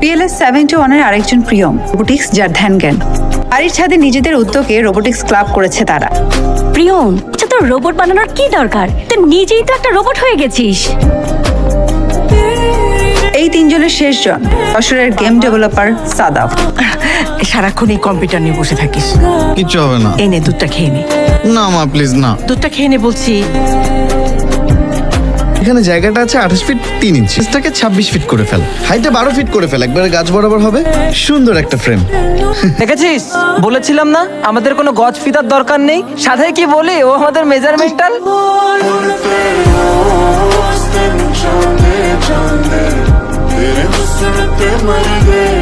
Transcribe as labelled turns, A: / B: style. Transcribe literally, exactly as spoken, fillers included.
A: PLS seventy one এর আরেকজন Priyam robotics যার ধ্যান জ্ঞান। বাড়ির ছাদে নিজেদের উদ্যোগে রোবোটিক্স ক্লাব করেছে তারা।
B: প্রিয়ম, আচ্ছা তোর রোবট বানানোর কি দরকার? তুই নিজেই তো একটা রোবট হয়ে গেছিস।
A: এই তিনজনের শেষজন যশোরের গেম ডেভেলপার সাদাফ।
C: সারাক্ষণ এই কম্পিউটার নিয়ে বসে থাকিস।
D: কিচ্ছু হবে না।
C: এই নে দুধটা খেয়ে নে।
D: না মা প্লিজ না।
C: দুধটা খেয়ে নে বলছি।
D: এখানে জায়গাটা আছে আঠাশ ফিট তিন ইঞ্চি, এটাকে ছাব্বিশ ফিট করে ফেল, হাইটে বারো ফিট করে ফেল, একবারে গাছ বরাবর হবে, সুন্দর একটা ফ্রেম।
E: দেখেছিস, বলেছিলাম না আমাদের কোনো গজ ফিতার দরকার নেই। সাথে কি বলি, ও আমাদের মেজারমেন্টাল।
F: तेरे हुस्न पे मर गए।